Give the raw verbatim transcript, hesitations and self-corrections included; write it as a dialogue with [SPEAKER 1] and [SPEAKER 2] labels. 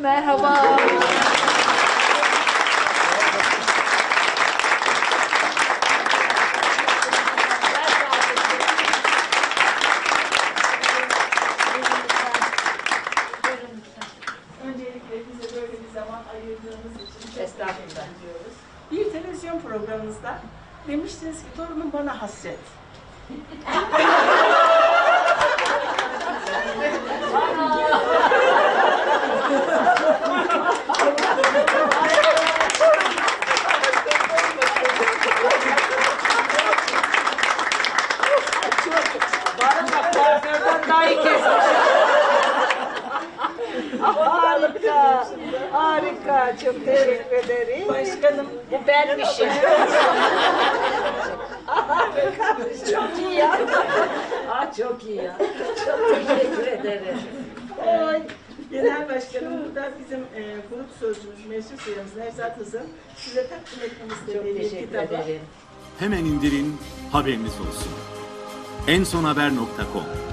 [SPEAKER 1] Merhaba.
[SPEAKER 2] Öncelikle bize böyle bir zaman ayırdığınız için çok
[SPEAKER 1] Estağfurullah.
[SPEAKER 2] teşekkür ediyoruz. Bir televizyon programınızda demiştiniz ki torunum bana hasret.
[SPEAKER 1] Bana kuaförden daha iyi kesmiş. Harika. Harika. Çok teşekkür ederim.
[SPEAKER 2] Başkanım
[SPEAKER 1] Bu benmişim. Harika. Çok iyi ya. Aa, çok iyi ya. Çok teşekkür ederim.
[SPEAKER 2] Oy. Genel Başkanım, bu da bizim e, grup sözcümüz, meclis üyemiz Nevzat Hız'ın size takdim etmek
[SPEAKER 1] Çok
[SPEAKER 2] istediği bir
[SPEAKER 1] teşekkür
[SPEAKER 2] kitabı.
[SPEAKER 1] ederim.
[SPEAKER 3] Hemen indirin, haberiniz olsun. ensonhaber nokta com